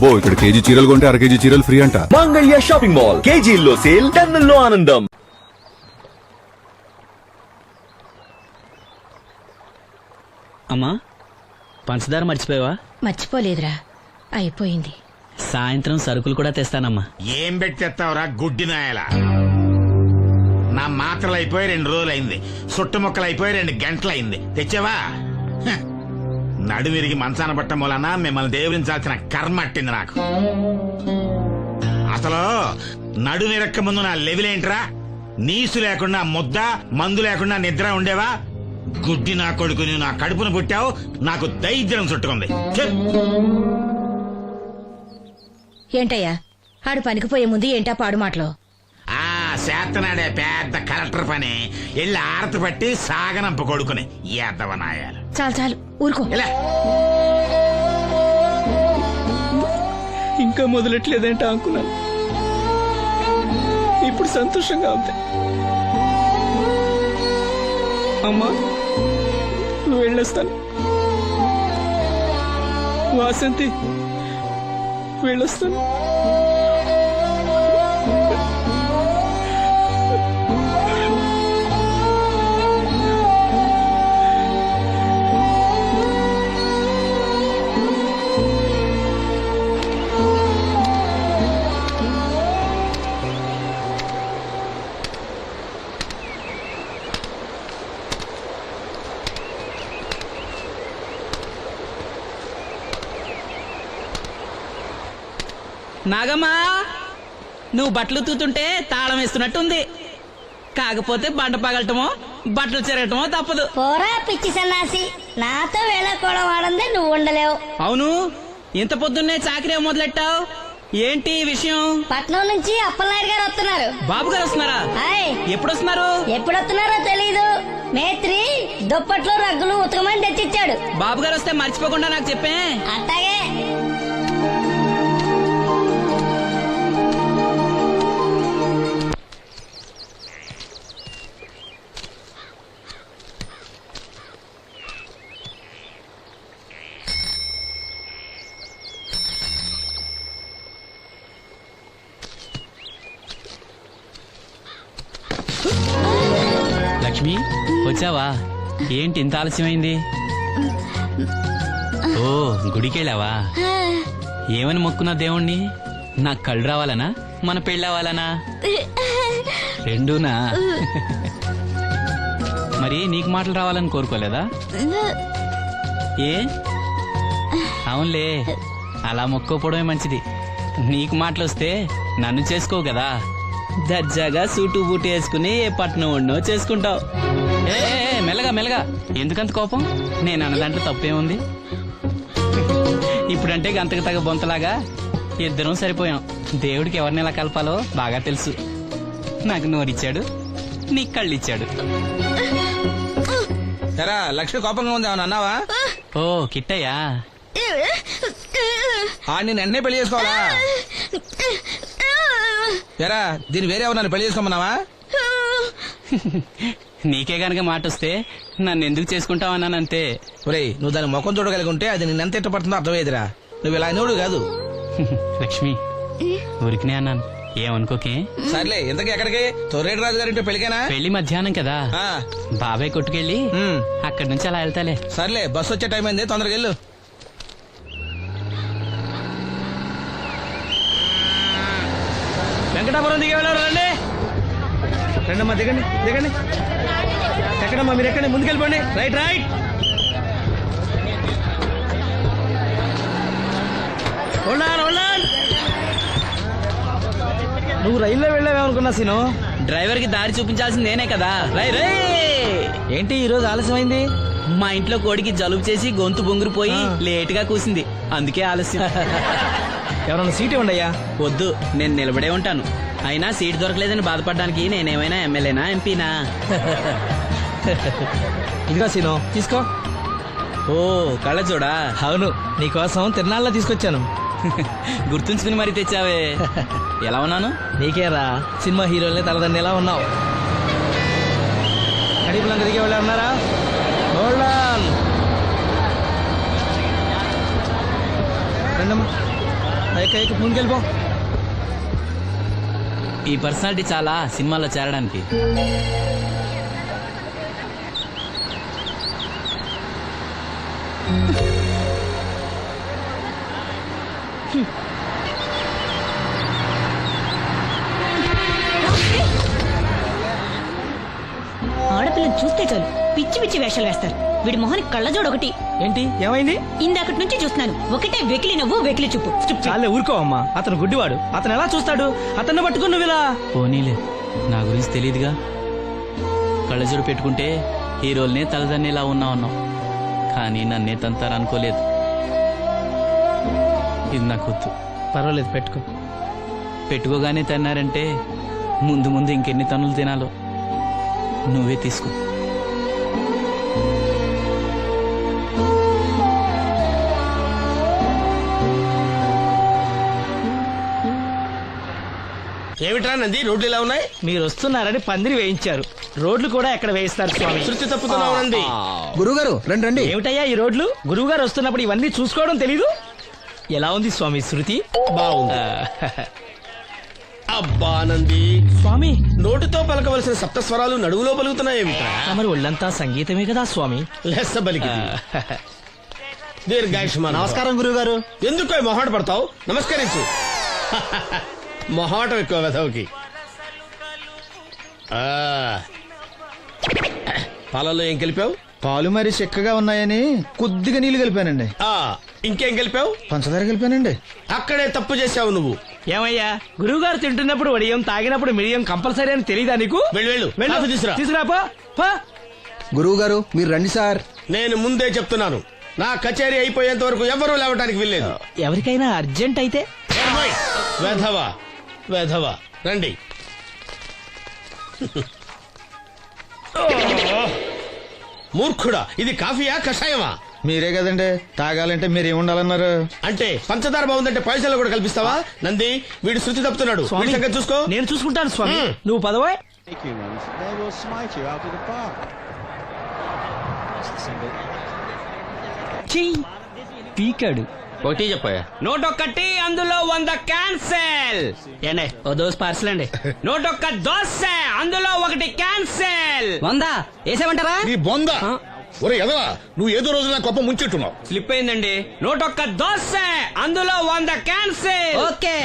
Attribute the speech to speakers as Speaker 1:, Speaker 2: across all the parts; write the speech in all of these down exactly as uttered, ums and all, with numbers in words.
Speaker 1: అబ్బో ఇక్కడ కేజీ చీరలు కొంటే అర కేజీ చీరలు ఫ్రీ అంట.
Speaker 2: మంగళ్య షాపింగ్ మాల్, కేజీల్లో సేల్, టన్నుల్లో ఆనందం.
Speaker 3: అమ్మా, పంచదార మర్చిపోయావా?
Speaker 4: మర్చిపోలేదురా, అయిపోయింది.
Speaker 3: సాయంత్రం సరుకులు కూడా తెస్తానమ్మా.
Speaker 5: ఏం పెట్టేస్తావురా గుడ్డి నాయల? నా మాత్రలు అయిపోయి రెండు రోజులు అయింది, సుట్టుముక్కలు అయిపోయి రెండు గంటలు అయింది. తెచ్చావా? హ. నడుమిరిగి మంచాన పట్ట మూలన మిమ్మల్ని దేవురించాల్సిన కర్మ అట్టింది నాకు. అసలు నడుమిరక్క ముందు నా లెవెలేంట్రా? నీసు లేకుండా ముద్ద, మందు లేకుండా నిద్ర ఉండేవా? గుడ్డి నా కొడుకుని నా కడుపును పుట్టావు, నాకు దైద్యం చుట్టుకుంది.
Speaker 4: ఏంటయ్యా ఆడు పనికిపోయే ముందు ఏంటా పాడు మాటలో?
Speaker 5: ఆ చేతనాడే పెద్ద కలెక్టర్ పని ఎల్లి ఆరతి పట్టి సాగనంప కొడుకుని ఎద్దవనాయాలు.
Speaker 4: చాలు చాలు ఊరుకో.
Speaker 5: ఇలా
Speaker 3: ఇంకా మొదలెట్లేదంటే అనుకున్నాను. ఇప్పుడు సంతోషంగా ఉంది. అమ్మా, వెళ్ళొస్తాను. వాసంతి, వెళ్ళొస్తాను. నాగమ్మా, నువ్వు బట్టలు తూతుంటే తాళం వేస్తున్నట్టుంది. కాకపోతే బండ పగలటమో బట్టలు చెరగటమో తప్పదు.
Speaker 6: పోరా పిచ్చి సన్నాసి, నాతో వేళకోవడం వాడందే నువ్వు ఉండలేవు.
Speaker 3: అవును, ఇంత పొద్దున్నే చాకరీ మొదలెట్టావు, ఏంటి విషయం?
Speaker 6: పట్నం నుంచి అప్పలనాయుడు గారు వస్తున్నారు.
Speaker 3: బాబు గారు వస్తున్నారా? ఎప్పుడు వస్తున్నారు?
Speaker 6: ఎప్పుడు వస్తున్నారో తెలీదు. మేత్రి దుప్పట్లు రగ్గులు ఉతకమని తెచ్చిచ్చాడు.
Speaker 3: బాబు గారు వస్తే మర్చిపోకుండా నాకు చెప్పే.
Speaker 6: అట్టాగే.
Speaker 3: లక్ష్మి, వచ్చావా? ఏంటి ఇంత ఆలస్యమైంది? ఓ, గుడికెళ్ళావా? ఏమని మొక్కున్నా దేవుణ్ణి? నాకు కళ్ళు రావాలనా, మన పెళ్ళవాలనా? రెండూనా? మరి నీకు మాటలు రావాలని కోరుకోలేదా? ఏ అవునులే, అలా మొక్కోపోవడమే మంచిది. నీకు మాటలు వస్తే నన్ను చేసుకోవు కదా. దర్జాగా సూటు బూటు వేసుకుని ఏ పట్నం ఉండో చేసుకుంటావు. ఏ మెల్లగా మెల్లగా, ఎందుకంత కోపం? నేను అన్న దాంట్లో తప్పేముంది? ఇప్పుడంటే గంతకు తగ్గ బొంతలాగా ఇద్దరం సరిపోయాం. దేవుడికి ఎవరిని ఎలా కలపాలో బాగా తెలుసు. నాకు నోరిచ్చాడు, నీకు కళ్ళు ఇచ్చాడు.
Speaker 7: లక్ష్మి కోపంగా ఉంది, ఏమన్నా అన్నావా?
Speaker 3: ఓ కిట్టయ్యా,
Speaker 7: నేను వెంటనే పెళ్లి చేసుకోవాలా? ఎరా, దీన్ని వేరే ఎవరు పెళ్లి చేసుకోమన్నావా?
Speaker 3: నీకే గనక మాట వస్తే నన్ను ఎందుకు చేసుకుంటావన్నానంతే.
Speaker 7: ఒరేయ్, నువ్వు దాని ముఖం చూడగలిగి ఉంటే అది నేను ఎంత ఇష్టపడుతుందో అర్థమయ్యేదిరా. నువ్వు ఇలా నోడు కాదు.
Speaker 3: లక్ష్మి, ఊరికినే అన్నాను, ఏమనుకోకే.
Speaker 7: సర్లే, ఇంతకీ ఎక్కడికి? తొర్రేటి రాజు గారింటే పెళ్లికేనా?
Speaker 3: పెళ్లి మధ్యాహ్నం కదా, బాబాయ్ కొట్టుకెళ్ళి అక్కడి నుంచి అలా వెళ్తాలే.
Speaker 7: సర్లే, బస్సు వచ్చే టైం అయింది, తొందరగా వెళ్ళు.
Speaker 8: వెంకటాపురం దిగే వెళ్ళారు. రండి రండమ్మా, దిగండి దిగండి. ఎక్కడమ్మా మీరు? ఎక్కండి, ముందుకెళ్ళిపోండి. Right right. నువ్వు రైల్లో వెళ్ళావేమనుకున్నా సీను.
Speaker 3: డ్రైవర్ కి దారి చూపించాల్సింది నేనే కదా. రై రే,
Speaker 8: ఏంటి ఈ రోజు ఆలస్యమైంది?
Speaker 3: మా ఇంట్లో కోడికి జలుబు చేసి గొంతు బొంగురుపోయి లేట్ గా కూసింది, అందుకే ఆలస్యం.
Speaker 8: ఎవరన్నా సీట్ ఇవ్వండి అయ్యా.
Speaker 3: వద్దు, నేను నిలబడే ఉంటాను. అయినా సీట్ దొరకలేదని బాధపడడానికి నేనేమైనా ఎమ్మెల్యేనా, ఎంపీనా?
Speaker 8: ఇదిగో సీను, తీసుకో.
Speaker 3: ఓ కళ్ళ చూడా.
Speaker 8: అవును, నీకోసం తిరునాళ్ళ తీసుకొచ్చాను.
Speaker 3: గుర్తుంచుకుని మరి తెచ్చావే. ఎలా ఉన్నాను?
Speaker 8: నీకేరా, సినిమా హీరోలే తలదండి ఎలా ఉన్నావు. కడిపులంక దిగే వాళ్ళు ఉన్నారా? రండమ్మా.
Speaker 7: ఎక్క ఎక్క ముందుకెళ్ళిపో.
Speaker 3: ఈ పర్సనాలిటీ చాలా సినిమాలో చేరడానికి.
Speaker 4: ఆడపిల్లని చూస్తే చాలు పిచ్చి పిచ్చి వేషాలు వేస్తారు. వీడి మొహానికి కళ్ళజోడు ఒకటి.
Speaker 7: ఏంటి ఏమైంది?
Speaker 4: ఇందాకటి నుంచి చూస్తున్నాను, ఒకటే వెకిలి నవ్వు వెకిలి చూపు. Stupid.
Speaker 7: చాలే ఊరుకో అమ్మా. అతను గుడ్డివాడు. అతను ఎలా చూస్తాడు? అతన్ని పట్టుకుని నువ్వు ఇలా.
Speaker 3: పోనీలే, నా గురించి తెలియదుగా. కళ్ళజోడు పెట్టుకుంటే హీరోల్నే తలదన్నేలా ఉన్నా ఉన్నావు, కానీ నన్నే తంతారు అనుకోలేదు. ఇది నాకు వద్దు.
Speaker 7: పర్వాలేదు పెట్టుకో.
Speaker 3: పెట్టుకోగానే తిన్నారంటే ముందు ముందు ఇంకెన్ని తన్నులు తినాలో నువ్వే తీసుకో.
Speaker 8: ఏమిట్రా నంది, రోడ్లు ఇలా ఉన్నాయి?
Speaker 7: మీరు వస్తున్నారని పందిరి వేయించారు. రోడ్లు కూడా ఎక్కడ వేయిస్తారు స్వామి?
Speaker 8: శృతి తప్పుతున్నావు నంది.
Speaker 9: గురుగారు రండి రండి.
Speaker 7: ఏమిటయ్యా ఈ రోడ్లు? గురువు గారు వస్తున్నప్పుడు ఇవన్నీ చూసుకోవడం తెలీదు? ఎలా ఉంది స్వామి శృతి?
Speaker 8: బాగుంది. అబ్బా నంది,
Speaker 7: స్వామి
Speaker 8: నోటితో పలకవలసిన సప్త స్వరాలు నడువులో పలుకుతున్నాయేమిట్రా?
Speaker 7: మరి ఒళ్ళంతా సంగీతమే కదా స్వామి.
Speaker 8: లెస్స బలికి దీర్ఘాయుష్మాన్.
Speaker 9: నమస్కారం గురుగారు.
Speaker 8: ఎందుకో మొహాట పడతావు? నమస్కరించు. మొహాటం ఎక్కువ వెధవుకి. ఆ, పాలల్లో ఏం కలిపావు?
Speaker 9: పాలు మరి చిక్కగా ఉన్నాయని కొద్దిగా నీళ్లు కలిపానండి.
Speaker 8: ఆ, ఇంకేం కలిపావు?
Speaker 9: పంచదార కలిపానండి.
Speaker 8: అక్కడే తప్పు చేసావు నువ్వు.
Speaker 7: ఏమయ్యా, గురువు గారు తింటున్నప్పుడు వడియం, తాగినప్పుడు మిడియం కంపల్సరీ అని తెలీదా నీకు?
Speaker 8: వెళ్ళు వెళ్ళు,
Speaker 7: వెళ్ళు.
Speaker 8: కాఫీ తీసురా.
Speaker 7: తీసుకురాపో పో.
Speaker 9: గురువు గారు మీరు రండి సార్.
Speaker 8: నేను ముందే చెప్తున్నాను, నా కచేరీ అయిపోయేంత వరకు ఎవరూ లేవటానికి వెళ్ళలేదు.
Speaker 7: ఎవరికైనా అర్జెంట్ అయితే
Speaker 8: వెధవా వెధవా రండి. మూర్ఖుడా, ఇది కాఫీయా కషాయమా?
Speaker 9: మీరే కదండి తాగాలంటే మీరు ఏముండాలన్నారు?
Speaker 8: అంటే పంచదార బాగుందంటే పైసలు కూడా కల్పిస్తావా? నంది, వీడు శృతి తప్పుతున్నాడు.
Speaker 7: స్వామి,
Speaker 8: వీడి సంగతి చూసుకో.
Speaker 7: నేను చూసుకుంటాను స్వామి.
Speaker 8: మ్మ్.
Speaker 7: నువ్వు పదవా. పీకాడు.
Speaker 8: ఒకటి చెప్పాయా?
Speaker 3: నూటొక్కటి అందులో వంద క్యాన్సెల్.
Speaker 7: ఏండే ఓ దోస్ పార్సల్ అండి.
Speaker 3: నూటొక్క దోశ అందులో ఒకటి క్యాన్సెల్.
Speaker 7: వందా వేసేమంటారా?
Speaker 1: నీ బొంద ఒరే ఎదవా, నువ్వు ఏదో రోజు నా గొప్ప ముంచెట్టున్నావు.
Speaker 3: స్లిప్ అయిందండి. నూటొక్క దోశ అందులో వంద క్యాన్సెల్.
Speaker 7: ఓకే.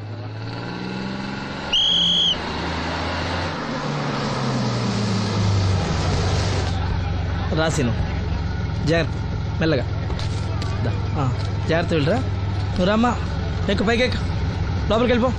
Speaker 7: రాసిను జాగ్రత్త, మెల్లగా దా. ఆ, జాగ్రత్త వెళ్ళరా. నువ్వు రామ్మా, ఎక్కు పైకి ఎక్కు, లోపలికి వెళ్ళిపో.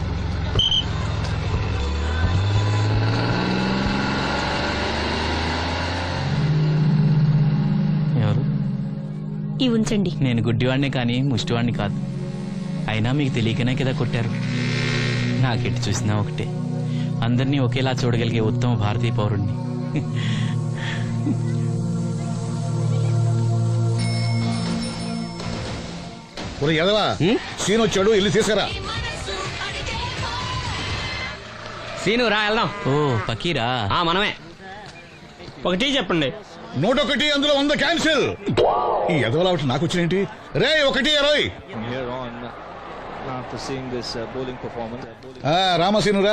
Speaker 3: ఎవరు?
Speaker 4: ఈ ఉంచండి.
Speaker 3: నేను గుడ్డివాడినే కానీ ముష్టివాడిని కాదు. అయినా మీకు తెలియకనే కదా కొట్టారు. నాకెట్టి చూసినా ఒకటే, అందరినీ ఒకేలా చూడగలిగే ఉత్తమ భారతీయ పౌరుణ్ణి.
Speaker 1: ఒరే ఎదవా, సీన్ వచ్చాడు, ఇల్లు తీసుకురా.
Speaker 3: సీను రా వెళ్దాం. ఓ పకీరా, మనమే.
Speaker 7: ఒకటి చెప్పండి.
Speaker 1: నూట ఒకటి అందులో వంద క్యాన్సిల్. ఈ ఎదవలా ఒకటి నాకు వచ్చినేంటి? రే ఒకటి ఇరవై. ఆ, రామసీనురా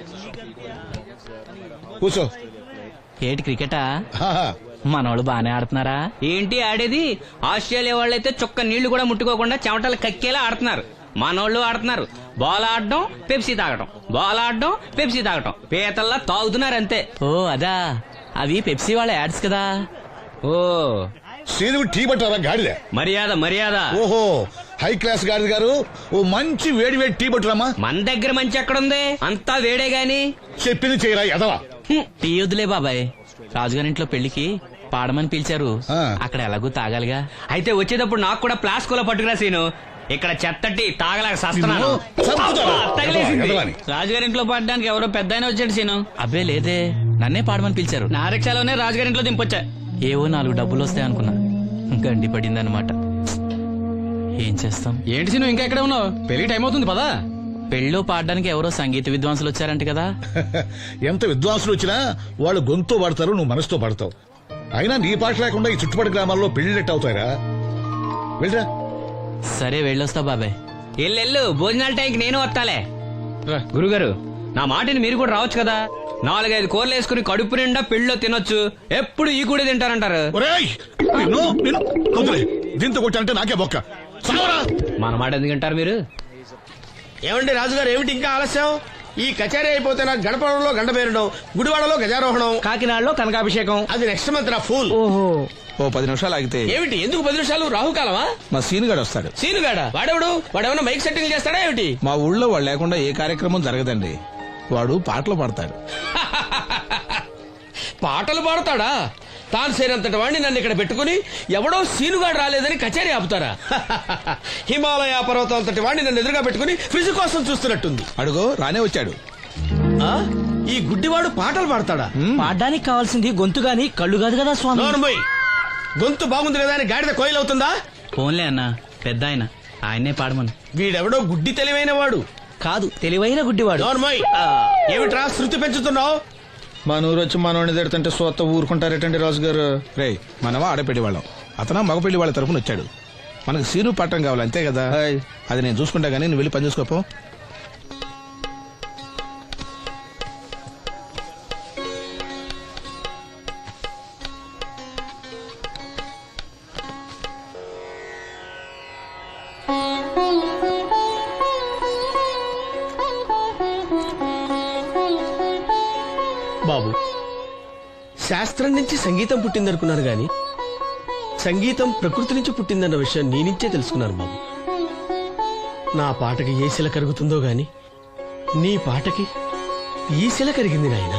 Speaker 1: కూర్చో.
Speaker 3: ఏటి క్రికెటా?
Speaker 1: ఆహా.
Speaker 3: మనోళ్ళు బానే ఆడుతున్నారా? ఏంటి ఆడేది? ఆస్ట్రేలియా వాళ్ళైతే చుక్క నీళ్లు కూడా ముట్టుకోకుండా చెమటలు కక్కేలా ఆడుతున్నారు. మనోళ్ళు ఆడుతున్నారు బాల్ ఆడడం, పెప్సీ తాగటం, బాల్ ఆడడం, పెప్సీ తాగటం, పీతల్లా తాగుతున్నారు అంతే. ఓ అదా, అవి పెప్సీ వాళ్ళ యాడ్స్ కదా. ఓ
Speaker 1: సీను టీ పట్టారా గాడిద?
Speaker 3: మర్యాద మర్యాద.
Speaker 1: ఓహో, హై క్లాస్ గాడిద గారు, ఓ మంచి వేడి వేడి టీ పట్టురామా.
Speaker 3: మన దగ్గర మంచి ఎక్కడుంది, అంతా వేడే గాని.
Speaker 1: చెప్పింది చేయరా ఎదవా.
Speaker 3: హ్మ్, టీ వద్దులే బాబాయ్. రాజుగారింట్లో పెళ్లికి పాడమని పిలిచారు,
Speaker 1: ఆ.
Speaker 3: అక్కడ ఎలాగూ తాగాలిగా. అయితే వచ్చేటప్పుడు నాకు కూడా ప్లాస్కోలో పట్టుకురా సీను. ఇక్కడ చెత్తటి తాగలేక సస్తున్నాను.
Speaker 1: నిన్ను చంపుతాను.
Speaker 3: తగిలేసింది.
Speaker 1: ఎదవా, ఎదవాని.
Speaker 3: రాజుగారింట్లో పాడడానికి ఎవరో పెద్ద ఆయన వచ్చాడు సీను. అబ్బే లేదే, నన్నే పాడమని పిలిచారు. నా రిక్షాలోనే రాజుగారింట్లో దింపొచ్చా. ఏవో నాలుగు డబ్బులు వస్తాయి అనుకున్నా, గండి పడిందనమాట. ఏం చేస్తాం?
Speaker 10: ఏంటి సీను ఇంకా ఎక్కడ ఉన్నావు? పెళ్లి టైం అవుతుంది పదా.
Speaker 3: పెళ్ళో పాడడానికి ఎవరో సంగీత విద్వాంసులు వచ్చారంట కదా.
Speaker 1: ఎంత విద్వాంసులు వచ్చినా వాళ్ళు గొంతు పడతారు, నువ్వు మనసుతో పడతావు. అయినా నీ పాట లేకుండా ఈ చుట్టుపక్కల గ్రామాల్లో పెళ్లినట్టు అవుతాయిరా. వెళ్ళరా.
Speaker 3: సరే వెళ్ళొస్తా బాబాయ్. ఎల్లెళ్ళు భోజనాల టైంకి నేను వస్తాలే గురుగారు నా మాటని మీరు కూడా రావచ్చు కదా. నాలుగైదు కూరలు వేసుకుని కడుపు నిండా పెళ్ళిలో తినొచ్చు. ఎప్పుడు ఈ కూడా తింటారంటారు.
Speaker 1: ఒరేయ్, నిన్ను నిన్ను వదిలే. దీంతో కొట్టానంటే నాకే బొక్క. సావరా.
Speaker 3: మన మాట ఎందుకు అంటారు మీరు?
Speaker 8: ఏమండి రాజుగారు, ఏమిటి ఇంకా ఆలస్యం? ఈ కచేరీ అయిపోతే నాకు గణపడంలో గంట పేరడం, గుడివాడలో గజారోహణం, కాకినాడలో కనకాభిషేకం. అది నెక్స్ట్ మంత్ రా ఫూల్. ఓహో,
Speaker 9: ఓ పది నిమిషాలు ఆగితే
Speaker 8: ఏమిటి? ఎందుకు పది నిమిషాలు? రాహుకాలమా?
Speaker 9: మా సీనుగాడు వస్తాడు.
Speaker 8: సీనుగాడా? వాడెవడు? వాడేమన్నా మైక్ సెట్టింగ్ చేస్తాడా ఏమిటి?
Speaker 9: మా ఊళ్ళో వాడు లేకుండా ఏ కార్యక్రమం జరగదండి. వాడు పాటలు పాడతాడు.
Speaker 8: పాటలు పాడతాడా? తాను సేనంతటి వాడిని నన్ను ఇక్కడ పెట్టుకుని ఎవడో సీనుగాడు రాలేదని కచేరీ ఆపుతారా? హిమాలయ పర్వతం అంతటి వాడిని నన్ను ఎదురుగా పెట్టుకుని ఫ్రిజ్ కోసం చూస్తున్నట్టుంది.
Speaker 9: అడుగో రానే వచ్చాడు.
Speaker 8: ఆ? ఈ గుడ్డివాడు పాటలు పాడతాడా?
Speaker 7: పాడడానికి కావాల్సింది గొంతు గాని కళ్ళు కాదు కదా స్వామి.
Speaker 8: నోర్మోయ్, గొంతు బాగుంది కదా అని గాడిద కోయిలవుతుందా?
Speaker 3: ఫోన్లే అన్న, పెద్ద ఆయన, ఆయన్నే పాడమను.
Speaker 8: వీడెవడో గుడ్డి తెలివైన వాడు
Speaker 7: కాదు, తెలివైన గుడ్డివాడు.
Speaker 8: నోర్మోయ్, ఏమిట్రా శృతి పెంచుతున్నావు?
Speaker 9: మా నూరు వచ్చి మా నోడిని తిడుతుంటే సొత్త ఊరుకుంటారేటండి రాజుగారు. రే, మనవా ఆడపెళ్లి వాళ్ళం, అతను మగపెళ్లి వాళ్ళ తరఫున వచ్చాడు. మనకు సీను పట్టం కావాలి అంతే కదా. అది నేను చూసుకుంటా గానీ నువ్వు వెళ్ళి పని చూసుకోపో.
Speaker 8: బాబు, శాస్త్రం నుంచి సంగీతం పుట్టిందనుకున్నారు గాని సంగీతం ప్రకృతి నుంచి పుట్టిందన్న విషయం నీ నుంచే తెలుసుకున్నాను బాబు. నా పాటకి ఏ శిల కరుగుతుందో గాని నీ పాటకి ఈ శిల కరిగింది నాయనా.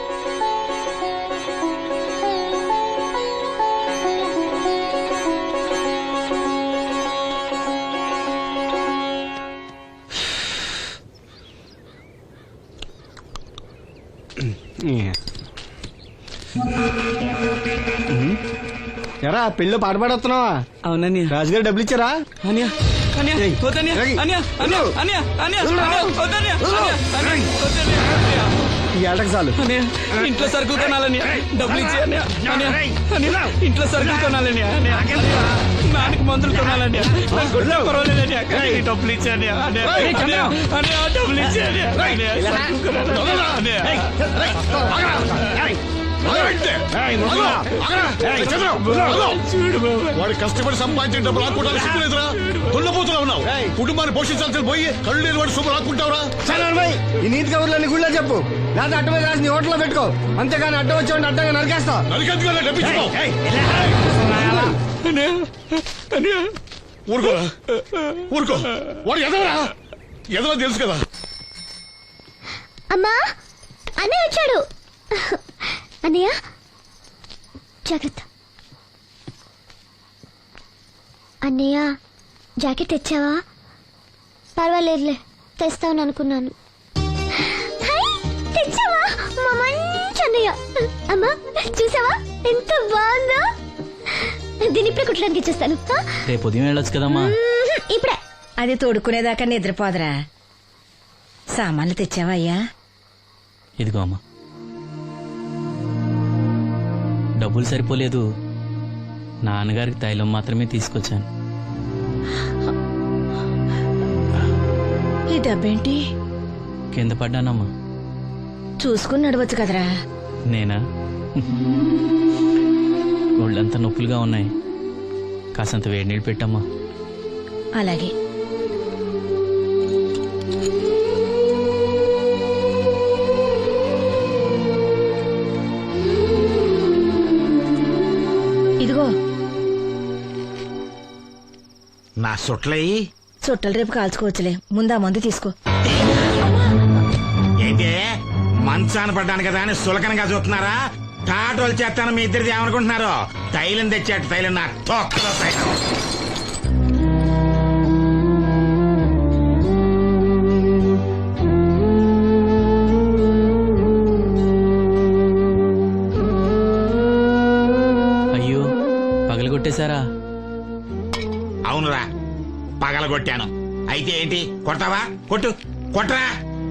Speaker 10: ఎరా పెళ్ళి పాట పాడుతున్నావా?
Speaker 7: అవునని
Speaker 10: రాజుగారు డబ్బులు ఇచ్చారా?
Speaker 7: అనియా అనియా వద్దనియా అనియా అనియా అనియా అనియా వద్దనియా అనియా
Speaker 10: ఈ ఏటకు చాలు.
Speaker 7: అనియా ఇంట్లో సరుకులు కొనాలని డబ్బులు ఇచ్చి అనియా అనియా అనియా ఇంట్లో సరుకులు కొనాలని అనియా నాన్నకి మందులు కొనాలని పర్వాలేదని డబ్బులు ఇచ్చి అనియా అనియా అనియా డబ్బులు ఇచ్చి అనియా
Speaker 1: వాడు కష్టపడి సంపాదించిన డబ్బులు రాకుంటారు. సిగ్గులేదురా? దున్నపోతున్నా ఉన్నావు. కుటుంబాన్ని పోషించాల్సిన పోయి కళ్ళు లేని వాడు శుభ్రం రాకుంటావురా?
Speaker 10: ఈ నీతి కబుర్లన్నీ గుళ్ళో చెప్పు, లేదా అడ్డ మీద రాసి నీ హోటల్లో పెట్టుకో. అంతేగాని అడ్డం వచ్చి అడ్డంగా నరికేస్తా.
Speaker 1: నరికెందుకు డబ్బిచ్చుకో. ఊరుకోరా, ఊరుకో. వాడు ఎదవరా? ఎదవ తెలుసు కదా.
Speaker 6: అమ్మా, అన్నయ్య వచ్చాడు. అన్నయ్య జాగ్రత్త. అన్నయ్య జాకెట్ తెచ్చావా? పర్వాలేదులే, తెస్తావని అనుకున్నాను. తెచ్చావా? మా మంచి అన్నయ్య. అమ్మా చూసావా ఎంత బాగుందో? దీని ఇప్పుడే కుట్టడానికి ఇచ్చేస్తాను.
Speaker 3: రేపు ఉదయం వెళ్ళొచ్చు కదమ్మా.
Speaker 6: ఇప్పుడే.
Speaker 4: అది తోడుకునేదాకా నిద్రపోదరా. సామాన్లు తెచ్చావా అయ్యా?
Speaker 3: ఇదిగో అమ్మా. డబ్బులు సరిపోలేదు, నాన్నగారికి తైలం మాత్రమే తీసుకొచ్చాను.
Speaker 4: ఈ డబ్బేంటి?
Speaker 3: కింద పడ్డానమ్మా.
Speaker 4: చూసుకుని నడవచ్చు కదరా.
Speaker 3: నేనా? ఒళ్ళంతా నొప్పులుగా ఉన్నాయి, కాసంత వేడి నీళ్ళు పెట్టమ్మా.
Speaker 4: అలాగే. ఇదిగో
Speaker 5: నా సొట్లయి
Speaker 4: చుట్టలు రేపు కాల్చుకోవచ్చులే, ముందా మందు తీసుకో.
Speaker 5: ఏంటే మంచాన పడ్డాను కదా అని సులకనగా చూస్తున్నారా? టాటోలు చేస్తాను మీ ఇద్దరిది ఏమనుకుంటున్నారు? తైలం తెచ్చాడు, తైలం నా తొక్కలో తైలం.
Speaker 3: అయ్యో, పగలగొట్టేశారా?
Speaker 5: అవునురా, పగలగొట్టాను. అయితే ఏంటి, కొడతావా? కొట్టు, కొట్టరా.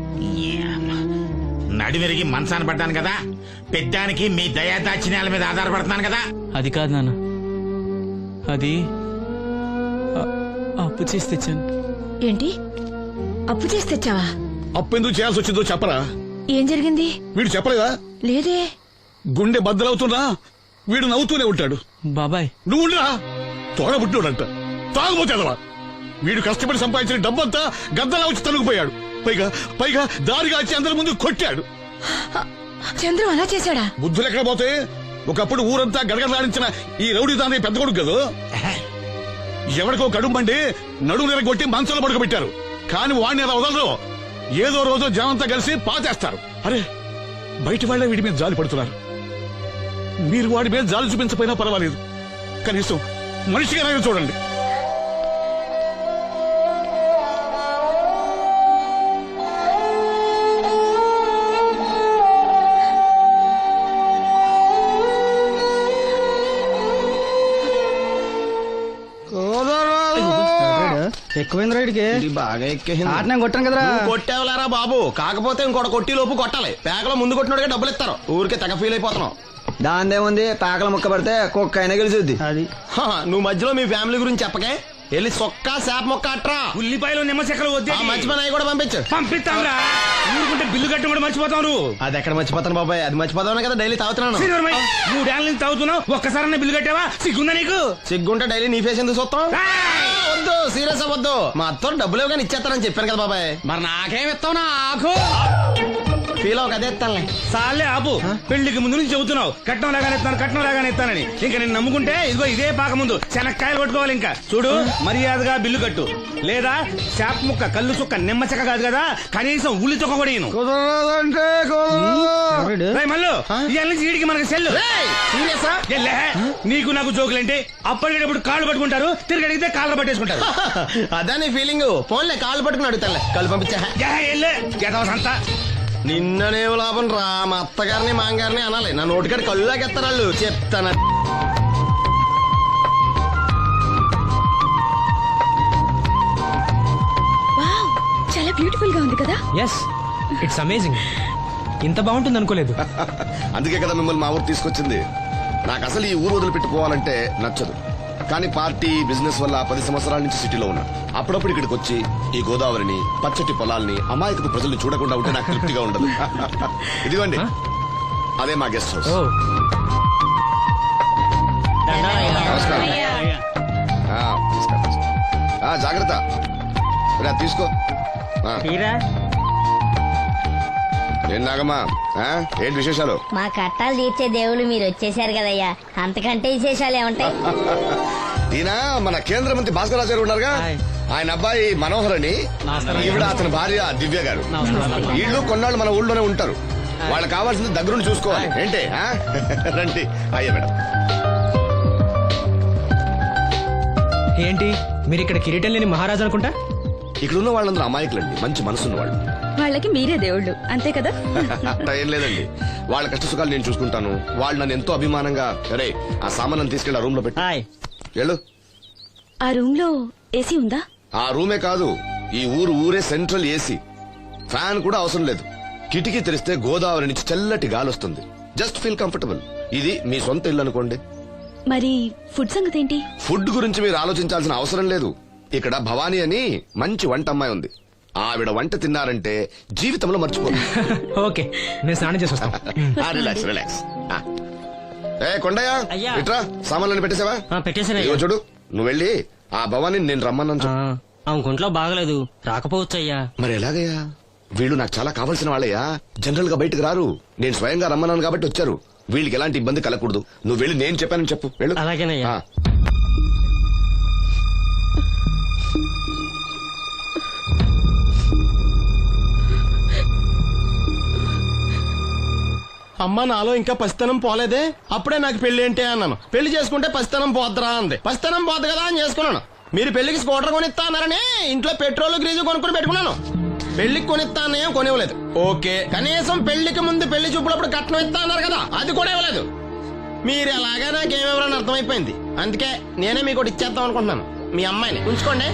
Speaker 5: నడివిరిగి మంచాన పడ్డాను కదా, పెద్దానికి మీ దయాదాచిన్యాల మీద ఆధారపడుతున్నాను కదా.
Speaker 3: అది కాదు నాన్న, అది అ- అప్పు చేసి తెచ్చాను.
Speaker 4: ఏంటి అప్పు చేసి తెచ్చావా?
Speaker 1: అప్పు ఎందుకు చేయాల్సి వచ్చిందో చెప్పరా?
Speaker 4: ఏం జరిగింది?
Speaker 1: వీడు చెప్పలేదా?
Speaker 4: లేదే.
Speaker 1: గుండె బద్దలవుతున్నా వీడు నవ్వుతూనే ఉంటాడు.
Speaker 3: బాబాయ్
Speaker 1: నువ్వు ఉండరా? తోడబుట్టినోడంట, తాగుపోతేదవా. వీడు కష్టపడి సంపాదించిన డబ్బంతా గద్దలా వచ్చి తనుకుపోయాడు. పైగా పైగా దారిగా వచ్చి అందరి ముందు కొట్టాడు.
Speaker 4: చంద్రం అలా చేశాడా?
Speaker 1: బుద్ధులు ఎక్కడ పోతే? ఒకప్పుడు ఊరంతా గడగడలాడించిన ఈ రౌడీ దాని పెద్ద కొడుకు కదా. ఎవరికో కడుంబండి నడుము నిరగొట్టి మంచంలో పడుకోబెట్టారు. కాని వాడిని అలా వదలరు. ఏదో రోజు జనంతా కలిసి పాతేస్తారు. అరే, బయట వాళ్లే వీడి మీద జాలి పడుతున్నారు. మీరు వాడి మీద జాలి చూపించపోయినా పర్వాలేదు, కనీసం మనిషిగా చూడండి.
Speaker 10: ఎక్కువైంది రైడ్కి బాగా ఎక్కేసింది. ఆట నేను కొట్టాను కదరా.
Speaker 8: కొట్టేవలేరా బాబు, కాకపోతే ఇంకోటి కొట్టి లోపు కొట్టాలి. పేకలో ముందు కొట్టినోడిగా డబ్బులు ఇస్తారు. ఊరికే తెగ ఫీల్ అయిపోతున్నావు.
Speaker 10: దాందేముంది, పేకల ముక్క పడితే కుక్క అయినా గెలిచుద్ది. అది
Speaker 8: నువ్వు మధ్యలో మీ ఫ్యామిలీ గురించి చెప్పకే. వెళ్ళి సొక్క శాప మొక్క అట్రా.
Speaker 5: ఉల్లిపాయలు నిమ్మ చెక్కలు వద్దే.
Speaker 8: మంచి పని అవి కూడా పంపించు.
Speaker 5: పంపిస్తాంరా. ఊరుకుంటే బిల్లు కట్టి కూడా మర్చిపోతావు నువ్వు.
Speaker 8: అది ఎక్కడ మర్చిపోతాను బాబాయ్, అది మర్చిపోతావు కదా డైలీ తాగుతున్నాను.
Speaker 5: మూడేళ్ల నుంచి తాగుతున్నావు, ఒక్కసారి బిల్లు కట్టావా? సిగ్గుందా నీకు?
Speaker 8: సిగ్గుంటే డైలీ నీ ఫేస్ ఎందుకు చూస్తాం? వద్దు, సీరియస్ అవ్వద్దు. మా అత్తో డబ్బులు ఇవ్వగానే ఇచ్చేస్తానని చెప్పాను కదా బాబాయ్.
Speaker 5: మరి నాకేం ఇస్తావు? నాకు
Speaker 8: ఫీల్ అవ్వక అదే ఇస్తానులే.
Speaker 5: సాలే ఆపు. పెళ్లికి ముందు నుంచి చెబుతున్నావు కట్నం లాగానే ఇస్తాను, కట్నం లాగానే ఇస్తానని. ఇంకా నేను నమ్ముకుంటే ఇదిగో ఇదే పాక ముందు శనక్కాయలు కొట్టుకోవాలి. ఇంకా చూడు, మర్యాదగా బిల్లు కట్టు, లేదా చేప ముక్క, కళ్ళు చుక్క, నిమ్మ చెక్క కాదు కదా, కనీసం ఉల్లి చుక్క కూడా ఇయ్యను. మళ్ళీ ఇవాళ నుంచి వీడికి మనకి సెల్లు. నీకు నాకు జోకులేంటి? అప్పటికేటప్పుడు కాళ్ళు పట్టుకుంటారు, తిరిగి అడిగితే కాళ్ళు పట్టేసుకుంటారు.
Speaker 8: అదే నీ ఫీలింగ్. ఫోన్లే కాళ్ళు పట్టుకుని అడుగుతానులే. కళ్ళు పంపించా.
Speaker 5: అంతా
Speaker 8: నిన్ననే లాభం రా. మా అత్తగారిని మాంగారిని అనాలి. నా నోటికాడ కళ్ళు లాగేస్తారు వాళ్ళు. చెప్తాను.
Speaker 4: వావ్, చాలా బ్యూటిఫుల్ గా ఉంది కదా.
Speaker 7: Yes, it's amazing. ఇంత బాగుంటుంది అనుకోలేదు.
Speaker 11: అందుకే కదా మిమ్మల్ని మా ఊరు తీసుకొచ్చింది. నాకు అసలు ఈ ఊరు వదిలిపెట్టుకోవాలంటే నచ్చదు. కానీ పార్టీ, బిజినెస్ వల్ల పది సంవత్సరాల నుంచి సిటీలో ఉన్నా. అప్పుడప్పుడు ఇక్కడికి వచ్చి ఈ గోదావరిని, పచ్చటి పొలాల్ని, అమాయకపు ప్రజల్ని చూడకుండా ఉంటే నాకు తృప్తిగా ఉండదు. ఇదిగోండి, అదే మా గెస్ట్ హౌస్. నమస్కారం. ఆ, నమస్కారం. ఆ, జాగ్రత్త. రా, తీసుకో. ఏం నాగమ్మా, ఏంటి విశేషాలు?
Speaker 6: మా కట్టాలు తీర్చే దేవుళ్ళు మీరు వచ్చేసారు కదయ్యా, అంతకంటే విశేషాలు ఏముంటాయి?
Speaker 11: ఈయన మన కేంద్ర మంత్రి భాస్కర్ రాజు గారు ఉన్నారుగా, ఆయన అబ్బాయి మనోహర్ అని, ఈవిడ అతని భార్య దివ్య గారు. వీళ్ళు కొన్నాళ్ళు మన ఊళ్ళోనే ఉంటారు. వాళ్ళకి కావాల్సింది దగ్గరుండి చూసుకోవాలి. ఏంటి రండి. అయ్యా మేడం.
Speaker 7: ఏంటి మీరు ఇక్కడ కిరీటం లేని మహారాజు అనుకుంటా?
Speaker 11: ఇక్కడ ఉన్న వాళ్ళందరూ అమాయకులండి, మంచి మనసున్న వాళ్ళు.
Speaker 4: వాళ్ళకి మీరే దేవుళ్ళు, అంతే కదా?
Speaker 11: అట్లా ఏం లేదండి. వాళ్ళ కష్ట సుఖాలు నేను చూసుకుంటాను. వాళ్ళు నన్ను ఎంతో అభిమానంగా, అరే ఆ సామాన్ తీసుకెళ్ళి ఆ రూమ్ లో పెట్టి వెళ్ళు.
Speaker 4: ఆ రూమ్ లో ఏసీ ఉందా?
Speaker 11: ఆ రూమే కాదు, ఈ ఊరు ఊరే సెంట్రల్ ఏసీ. ఫ్యాన్ కూడా అవసరం లేదు. కిటికీ తెరిస్తే గోదావరి నుంచి చల్లటి గాలి వస్తుంది. Just feel comfortable. ఇది మీ సొంత ఇల్లు అనుకోండి.
Speaker 4: మరి ఫుడ్ సంగతి ఏంటి?
Speaker 11: ఫుడ్ గురించి మీరు ఆలోచించాల్సిన అవసరం లేదు. ఇక్కడ భవానీ అని మంచి వంట అమ్మాయి ఉంది. ఆవిడ వంట తిన్నారంటే జీవితంలో మర్చిపోదు.
Speaker 7: ఓకే, నేను స్నానం చేసి వస్తాను.
Speaker 11: Relax relax. ఏ కొండయ్య, ఇట్రా, సామాన్లను పెట్టేసావా?
Speaker 3: పెట్టేసాను.
Speaker 11: చూడు, నువ్వు వెళ్ళి ఆ భవానీ నేను రమ్మన్నాను చెప్పు.
Speaker 3: ఆమె గుంట్లో బాగలేదు, రాకపోవచ్చు అయ్యా.
Speaker 11: మరి ఎలాగయ్యా? వీళ్ళు నాకు చాలా కావాల్సిన వాళ్ళయ్యా. జనరల్ గా బయటకు రారు. నేను స్వయంగా రమ్మన్నాను కాబట్టి వచ్చారు. వీళ్ళకి ఎలాంటి ఇబ్బంది కలగకూడదు. నువ్వు వెళ్ళి నేను చెప్పానని చెప్పు. వెళ్ళు.
Speaker 3: అలాగేనయ్యా.
Speaker 8: అమ్మ నాలో ఇంకా పసితనం పోలేదే. అప్పుడే నాకు పెళ్లి ఏంటి అన్నాను. పెళ్లి చేసుకుంటే పసితనం పోద్దురా అంది. పసితనం పోద్దు కదా అని చేసుకున్నాను. మీరు పెళ్లికి స్కూటర్ కొనిస్తా అన్నారని ఇంట్లో పెట్రోల్ గ్రీజు కొనుక్కుని పెట్టుకున్నాను. పెళ్లికి కొనిస్తా అన్నయ్య కొనివ్వలేదు. ఓకే, కనీసం పెళ్లికి ముందు పెళ్లి చూపులప్పుడు కట్నం ఇస్తా అన్నారు కదా, అది కూడా ఇవ్వలేదు. మీరు ఎలాగా నాకేమెవరని అర్థమైపోయింది. అందుకే నేనే మీకు ఒకటి ఇచ్చేద్దాం అనుకుంటున్నాను. మీ అమ్మాయిని ఉంచుకోండి.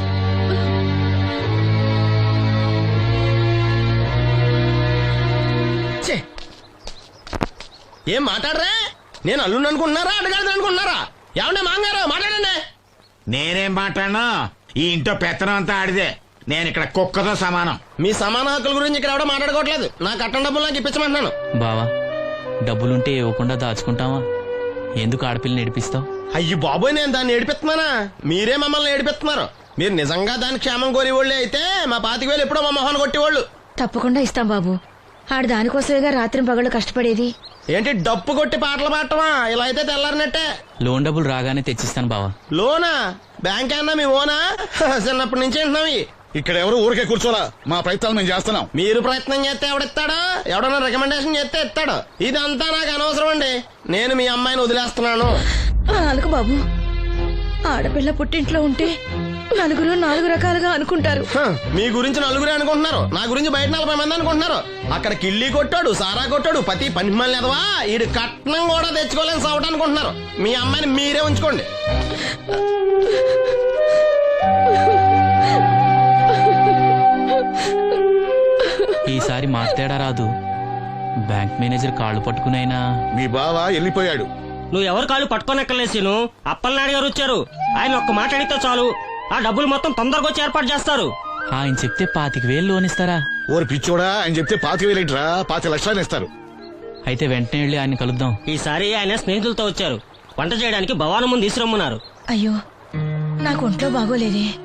Speaker 8: ఏం మాట్లాడరా? నేను అల్లుండి అనుకుంటున్నారా, అడగాలి అనుకుంటున్నారా? ఏమన్నా మాంగారు మాట్లాడండి.
Speaker 5: నేనేం మాట్లాడను. ఈ ఇంట్లో పెత్తనం అంతా ఆడిదే. నేను ఇక్కడ కుక్కతో సమానం.
Speaker 8: మీ సమాన హక్కుల గురించి ఇక్కడ ఎవడో మాట్లాడుకోవట్లేదు. నా కట్టం డబ్బులు నాకు ఇప్పించమంటున్నాను.
Speaker 3: బావా డబ్బులుంటే ఇవ్వకుండా దాచుకుంటావా? ఎందుకు ఆడపిల్లని ఏడిపిస్తావు?
Speaker 8: అయ్యి బాబోయ్, నేను దాన్ని ఏడిపిస్తున్నానా? మీరే మమ్మల్ని ఏడిపిస్తున్నారు. మీరు నిజంగా దాని క్షేమం కోరేవాళ్ళే అయితే మా పాతిక వేలు ఎప్పుడో మా మొహాన్ని కొట్టేవాళ్ళు.
Speaker 4: తప్పకుండా ఇస్తాం బాబు. ఆడు దానికోసమేగా రాత్రి పగళ్ళు కష్టపడేది.
Speaker 8: ఏంటి డప్పు కొట్టి పాటలు పాడటమా? ఇలా అయితే తెల్లారినట్టే.
Speaker 3: లోన్ డబ్బులు రాగానే తెచ్చిస్తాను బావా.
Speaker 8: లోనా? బ్యాంక్ అన్నా మీ ఓనా? చిన్నప్పటి నుంచి వింటున్నాం.
Speaker 1: ఇక్కడ ఎవరు ఊరికే కూర్చోలా, మా ప్రయత్నాలు మేము చేస్తున్నాం.
Speaker 8: మీరు ప్రయత్నం చేస్తే ఎవడిస్తాడు? ఎవడన్నా రికమెండేషన్ చేస్తే ఇస్తాడు. ఇదంతా నాకు అనవసరం అండి. నేను మీ అమ్మాయిని వదిలేస్తున్నాను.
Speaker 4: అనుకు బాబు, ఆడపిల్ల పుట్టింట్లో ఉంటే నలుగురు నాలుగు రకాలుగా అనుకుంటారు.
Speaker 8: హ, మీ గురించి నలుగురే అనుకుంటున్నారు, నా గురించి బయట నలభై మంది అనుకుంటున్నారు. అక్కడ కిళ్ళి కొట్టాడు, సారా కొట్టాడు, పతి పని మళ్ళీ ఎదవా, ఈడు కట్నం కూడా తెచ్చుకోలేని సవట అనుకుంటున్నారు. మీ అమ్మాయిని మీరే ఉంచుకోండి.
Speaker 3: ఈసారి మార్తేడా రాదు. బ్యాంక్ మేనేజర్ కాళ్ళు పట్టుకునైనా
Speaker 1: మీ బావ వెళ్ళిపోయాడు.
Speaker 7: నువ్వు ఎవరు కాళ్ళు పట్టుకోనక్కర్లేసిను. అప్పలనాయుడు గారు వచ్చారు. ఆయన ఒక్క మాట అడిగితే చాలు, ఆ డబ్బులు మొత్తం తొందరగా వచ్చి ఏర్పాటు చేస్తారు.
Speaker 3: ఆయన చెప్తే పాతిక వేలు లోన్ ఇస్తారా?
Speaker 1: ఓరి పిచ్చోడా, ఆయన చెప్తే పాతి వేలేంట్రా, పాతి లక్షలు ఇస్తారు.
Speaker 3: అయితే వెంటనే వెళ్ళి ఆయన కలుద్దాం.
Speaker 7: ఈసారి ఆయన స్నేహితులతో వచ్చారు. వంట చేయడానికి భవానం ముందు తీసురమ్మన్నారు.
Speaker 4: అయ్యో, నాకు ఒంట్లో బాగోలేదే.